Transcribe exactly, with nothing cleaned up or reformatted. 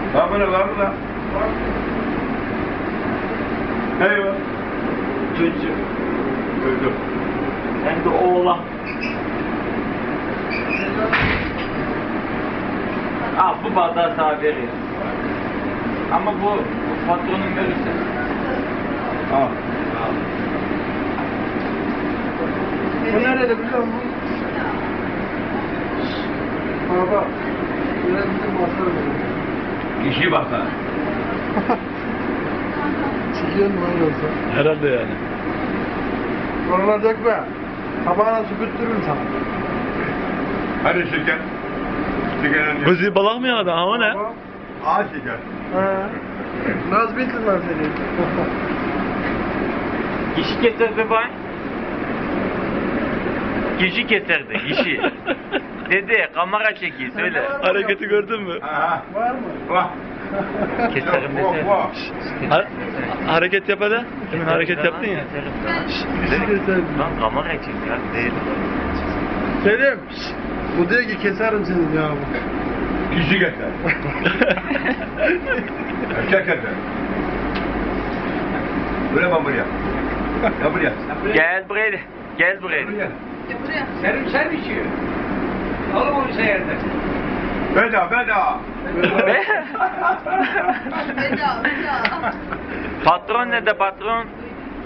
Kamera var mı lan? Eyvah. Çocuk. Öldüm. Hem de oğlan. Ah bu bardağı sana veriyor. Ama bu, bu patronun görürse. Al. Bu nerede biliyor musun? Baba. Biraz bizim masal verin. Kişi bak ha. Çikiyor mu lan yoksa? Herhalde yani. Oralar dökme. Tabağına süpürttürürüm sana. Hadi şeker. Şekerin Gözü balak mı yağdı ama ne? Baba. Ağaç şeker. He. Naz bilsin lan seni. Kişi getirdi bay. Kişi getirdi, kişi. Dedi, kamera çekiyor, söyle. Hareketi gördün mü? Ha. Var mı? Vah. Keserim Vah, desene. vah. Ha hareket yap hadi. Demin hareket yaptın ya. Keserim. Lan kamera çek ya, değil. Selim. Bu diyor ki keserim seni ya. Kişi getir. Erkek getir. Buraya bak buraya. Ya buraya. Gel buraya, gel buraya. Buraya. Senin sen içiyor. Alın onu seyirde. Beda beda. Veda, veda. Patron ne de patron?